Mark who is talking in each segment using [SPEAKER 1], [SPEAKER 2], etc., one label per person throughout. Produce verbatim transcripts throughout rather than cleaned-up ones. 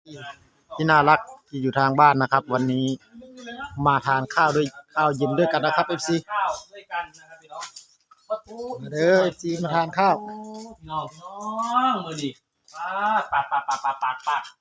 [SPEAKER 1] ที่ที่น่ารักที่อยู่ทางบ้านนะครับ วันนี้มาทานข้าวด้วยข้าวเย็นด้วยกันนะครับ เอฟ ซี
[SPEAKER 2] ข้าวด้วยกันนะครับพี่น้องประตู
[SPEAKER 1] มาเด้อ เอฟ ซี มาทานข้าว
[SPEAKER 2] พี่น้องพี่น้องมือดิปาดปาดปาดปาดปาดปาดปาด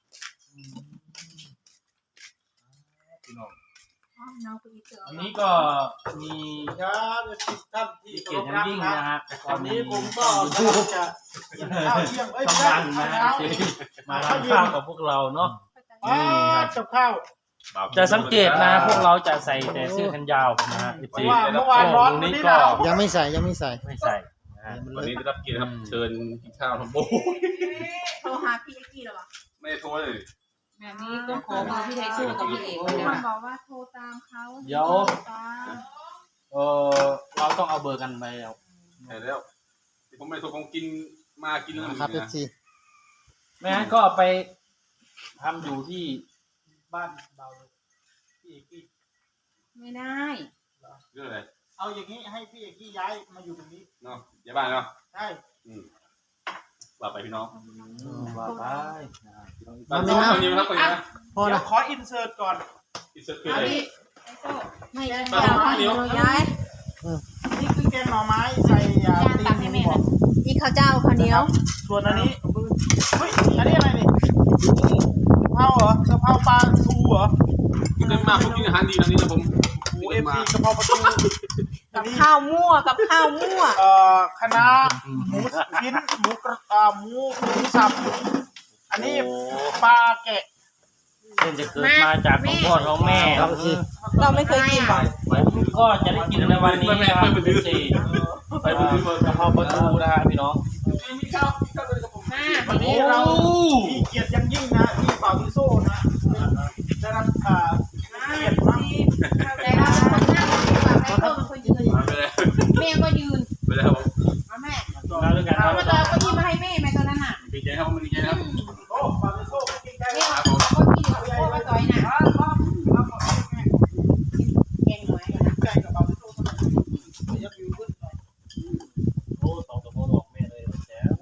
[SPEAKER 2] พี่น้องอันนี้ก็มี
[SPEAKER 3] ครับท่านที่
[SPEAKER 2] เกียรติอย่างยิ่งนะฮะ
[SPEAKER 3] วันนี้ผมก็จะกินข้าวเที่ยงเอ้ย
[SPEAKER 2] ต้อง
[SPEAKER 3] ไม่
[SPEAKER 2] ดัง
[SPEAKER 3] ใช่
[SPEAKER 2] นะ
[SPEAKER 3] ข้าว
[SPEAKER 2] ที่
[SPEAKER 3] เช้า
[SPEAKER 2] มาทานข้าวกับพวกเราเนาะ
[SPEAKER 3] อ่ากับข้าว
[SPEAKER 2] จะสังเกตนะพวกเราจะใส่แต่เสื้อแขนยาวนะฮะ
[SPEAKER 3] เพราะว่าเมื่อวานร้อนวันนี้หนาว
[SPEAKER 1] ยังไม่ใส่ยังไม่ใส่
[SPEAKER 2] ไม่ใส่นะฮะ
[SPEAKER 4] วันนี้ได้รับเกียรติครับเชิญกินข้าวทำโบ้
[SPEAKER 5] โทรหาพี่เอ็กกี้หรอวะ
[SPEAKER 4] ไม่ได้โทษเลย
[SPEAKER 5] แบบนี้ก็ขอเบอร์พี่ไทยสู้กับพี่เอกเลย
[SPEAKER 6] มัน
[SPEAKER 5] นะ
[SPEAKER 6] บอกว่าโทรตามเขา
[SPEAKER 2] เดี๋ยว
[SPEAKER 6] ตาม
[SPEAKER 2] เออเราต้องเอาเบอร์กันไปแล้ว
[SPEAKER 4] ใช่แล้วผมไม่ได้โทษผมกินมากินแล้ว
[SPEAKER 1] นะครับ เอฟ ซี
[SPEAKER 2] ไม่งั้นก็ไปทำอยู่ที่บ้านเราเลยพี่เอกกี้
[SPEAKER 5] ไม่ได้
[SPEAKER 4] เรื่องอะไร
[SPEAKER 3] เอาอย่างนี้ให้พี่เอกกี้ย้ายมาอยู่ตรงนี้
[SPEAKER 4] เนาะอย่าบ้านเนาะ
[SPEAKER 3] ใช่
[SPEAKER 4] อืมว่าไปพี่น้อง
[SPEAKER 2] ว่าไป
[SPEAKER 4] บ้านน้องคนนี้นะครับคนนี้นะ
[SPEAKER 1] พอ
[SPEAKER 3] เดี๋ย
[SPEAKER 1] นะ
[SPEAKER 3] วขออินเสิร์ตก่อน
[SPEAKER 4] อิสระคืออะไร
[SPEAKER 5] ไม่ได้ไม่เอาย้าย
[SPEAKER 3] นี่คือแกงหน่อไม้ใส่ยาตีนหมูบอก
[SPEAKER 5] นี่ข้าวเจ้าข้าวเหนียว
[SPEAKER 3] ส่วนอันนี้เฮ้ยอันนี้อะไรนี่กะเพราเหรอกะเพราปลาทูเหรอ
[SPEAKER 4] กินกันมาผมกินอาหารดีนะนี่นะผม
[SPEAKER 3] หมูเอฟซีกะเพราปลาทูอั
[SPEAKER 5] กัน บ
[SPEAKER 3] นี้
[SPEAKER 5] ข้าวมั่วกับข้าวมั่ว
[SPEAKER 3] เอ่อคณะหมูชิ้นหมูกระอ่าหมูหมูสับอันนี้ปลาแกะ
[SPEAKER 2] เส้นจะเกิดมาจากของพ่อของแม่ครับ
[SPEAKER 5] เราไม่เคยกินหรอก
[SPEAKER 2] ผมก็จะได้กินในวันนี้นะครับเป็นสี่ไปดูที่เบอร์กะเพราประตูนะฮะพี่น้อง
[SPEAKER 4] มีข้าวข้าวเลยกับผม
[SPEAKER 5] มา
[SPEAKER 3] วันนี้เรามีเกียรติอย่างยิ่งนะที่เป่าทิโซ่นะได้รับอ่าเกียรติมาก
[SPEAKER 5] แต่เราคนนั่งแบบไอ้โต้เป็นคนยืน
[SPEAKER 4] มาไปเลย
[SPEAKER 5] แม่ก็ยืน
[SPEAKER 4] ไปเลยครับผม
[SPEAKER 5] มาแม่
[SPEAKER 2] มาด้วยกันค
[SPEAKER 5] เอา
[SPEAKER 2] รับ
[SPEAKER 5] มาต่อก็ยิ้มมาให้แม่แม่ตัวนั้นน่ะ
[SPEAKER 4] ดีใจครับผมดีใจครับ
[SPEAKER 3] โอ้เป่าทิโซ่ไม่เก่งใจ
[SPEAKER 5] แม่
[SPEAKER 3] นะ
[SPEAKER 5] เอาก็ยิ้มกับโอ้มาต่อยน่ะ
[SPEAKER 3] ครับครับครับขอบคุณแม่
[SPEAKER 5] แกงหน่อยกันนะ
[SPEAKER 3] ใจกับเป่าทิโซ่สมัยนี้ยับยูขึ้นหน่อย
[SPEAKER 2] โอ้สองตัวโมหลอกแม่เลยแจ๋ว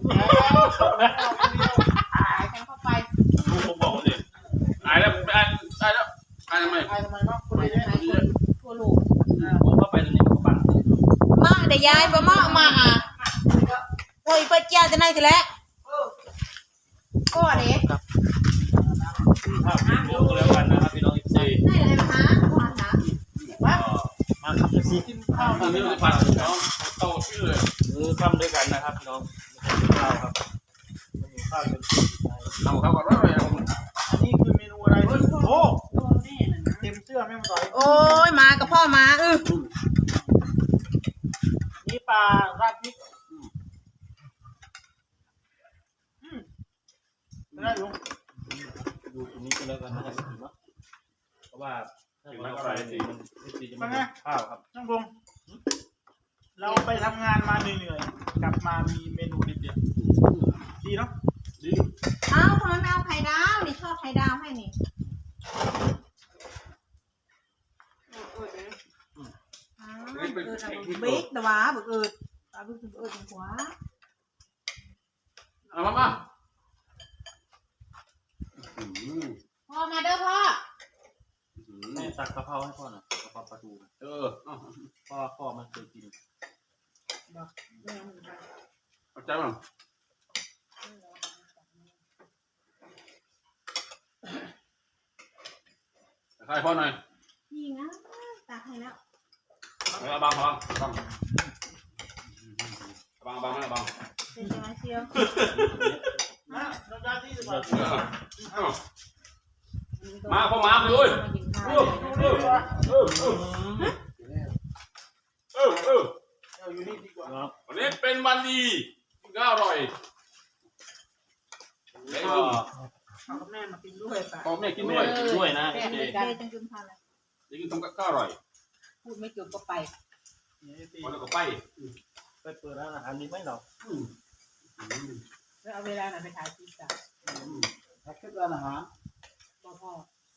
[SPEAKER 5] หายกันเข้าไป
[SPEAKER 4] ผมบอกเลยตายแล้วตายตายแล้วตายทำไม
[SPEAKER 3] ไอ้ทำไมเนาะคนเยอะ
[SPEAKER 5] หายคนทั่วโลก
[SPEAKER 2] ผมเข้าไปตรงนี้มันก็ปัง
[SPEAKER 5] มาเดี๋ยวยายบ่มามาอ่ะโอ้ยเปิดเจ้าจะไหนกันแล้วก็เด็ก
[SPEAKER 2] ภาพเดียวก็แล้วกันนะครับพี่น้องอีกสี่
[SPEAKER 5] ได้เลยนะคะมาค่ะ
[SPEAKER 1] มาครับ เอฟ ซี
[SPEAKER 3] กินข้าว
[SPEAKER 4] ตอนนี้
[SPEAKER 3] นี่
[SPEAKER 4] มันจะผัดน้องโตชื่อเลย
[SPEAKER 2] มือทำด้วยกันนะครับพี่น้องข้าวครับข้าวเป็น
[SPEAKER 4] ทำข้าวก่อนว่าอะไรผม
[SPEAKER 3] อันนี้คือเมนูอะไรโอ้
[SPEAKER 5] ตัวแม่น่ะนะ
[SPEAKER 3] เต็มเสื้อแม่มาต่อย
[SPEAKER 5] โอ้ยมากับพ่อมาเออ
[SPEAKER 3] นี่ปลาราดพริกอืมไม่ได้อยู่
[SPEAKER 2] ดูตรงนี้ก็แล้วกันนะครับเนาะเพราะว่าถ้าเราไปมันจะมีข้าวครับ
[SPEAKER 3] ช่างพงเราไปทำงานมาเหนื่อยๆกลับมามีเมนูเด็ดๆดีเนาะ
[SPEAKER 4] ดี
[SPEAKER 5] เอ้าทำไมไม่เอาไข่ดาวนี่ชอบไข่ดาวให้นี่อ้าวเกิดอะไรบิ๊กแต่ว่าบึกเอิดตาบึกบึกเอิดจังหัว
[SPEAKER 4] เอามามา
[SPEAKER 5] พ่อมาเด้อพ่อ
[SPEAKER 2] แม่ตักกะเพราให้พ่อหน่อยกะเพราปลาทู
[SPEAKER 4] เออ
[SPEAKER 2] พ่อพ่อมันเคยกิน
[SPEAKER 4] เอาใจมั้งใครพ่อหน่อย
[SPEAKER 5] นี่นะตาให้แล้ว
[SPEAKER 4] เอาบังบังบังบังบังบังบัง
[SPEAKER 5] เป็นยังไงเชียว
[SPEAKER 3] นะเราได้ที่สุด
[SPEAKER 4] มาพ่อมาเลย
[SPEAKER 5] มากินข้าว
[SPEAKER 4] เออเออเออเออเออเออ
[SPEAKER 3] เราอยู่นี่ดีกว่า
[SPEAKER 4] วันนี้เป็นวันดีกินข้าวอร่อยเด็ก
[SPEAKER 2] ก็
[SPEAKER 3] เอาแม่มากินด้วยป่ะ
[SPEAKER 4] พ่อแม่กินด้วย
[SPEAKER 2] ด้วยนะ
[SPEAKER 5] แม่
[SPEAKER 2] เจ
[SPEAKER 5] ด้วยกันจังกินข้าวเลย
[SPEAKER 4] เด็กกินต้มข้าวอร่อย
[SPEAKER 5] พูดไม่จบก็ไป
[SPEAKER 4] วันแล้วก็ไป
[SPEAKER 2] ไปเปิดร้านอาหารดีไหมเรา
[SPEAKER 5] แล้วเอาเวลาไหนไปถ่ายคลิปจ้ะ
[SPEAKER 3] ถ้าคิดร้านอาหาร
[SPEAKER 5] พ่อพ่อ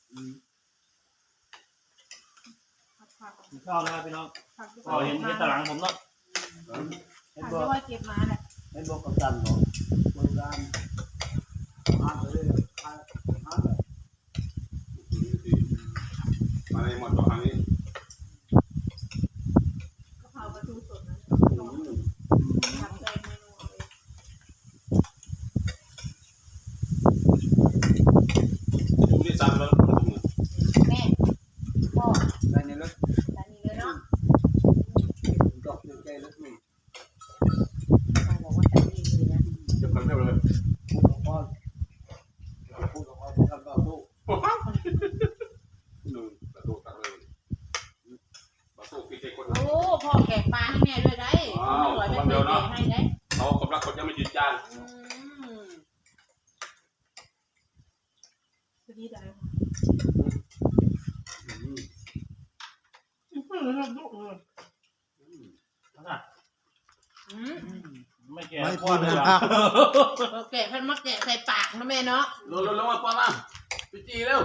[SPEAKER 2] กินข้าวนะครับพี่น้อง
[SPEAKER 5] ผัก
[SPEAKER 2] ก็เห็นเห็นตารางผมเนาะ
[SPEAKER 5] ผักที่ว่าเก็บมาเนี่ย
[SPEAKER 3] ให้บอกกับจันบอกบริการอาหารเลยอาหาร
[SPEAKER 4] อะไรหมดต่อทางนี้
[SPEAKER 5] กะเพราปลาทูสดนะทำได้เมนูเอาเลย
[SPEAKER 4] ดูนี่ซ้ำแล้ว
[SPEAKER 5] แม่พ่อ
[SPEAKER 3] ได้ในรถ
[SPEAKER 5] ร้านนี้เลยเนาะ
[SPEAKER 3] ดอกใจรถนี่
[SPEAKER 5] พ่อบอกว่าร้านนี้เลยนะ
[SPEAKER 4] เดี๋ยวกันเท่าเลย
[SPEAKER 3] พูดกับพ่อพูดกับพ่อพูดกับพ่อพูด
[SPEAKER 4] หนึ่งประตูตักเลยประตูพี่เจ้คน
[SPEAKER 5] โอ้พ่อแกะปลาให้แม่ด้วยได้ไม่ไหวไม่เคยแกะให้ได้
[SPEAKER 4] เขากำลังเขาจะไม่ยืนยัน
[SPEAKER 5] อืมสวัสดีได้ค่ะอืม
[SPEAKER 2] ไม่แก่
[SPEAKER 1] ไม่
[SPEAKER 2] พ่
[SPEAKER 1] พู
[SPEAKER 2] อ
[SPEAKER 1] ด
[SPEAKER 2] เลย
[SPEAKER 1] นะ
[SPEAKER 2] ล่ะ
[SPEAKER 1] ครับ
[SPEAKER 5] เราแกะพันมาแกะใส่ปากนะแม่เนาะ
[SPEAKER 4] ลงลงลงมาปอนมาพี่จีเร็ว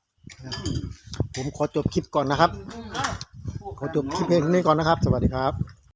[SPEAKER 1] ผมขอจบคลิปก่อนนะครับ
[SPEAKER 5] อืมเอ้า
[SPEAKER 1] ขอจบคลิปเพลงนี้ก่อนนะครับ สวัสดีครับ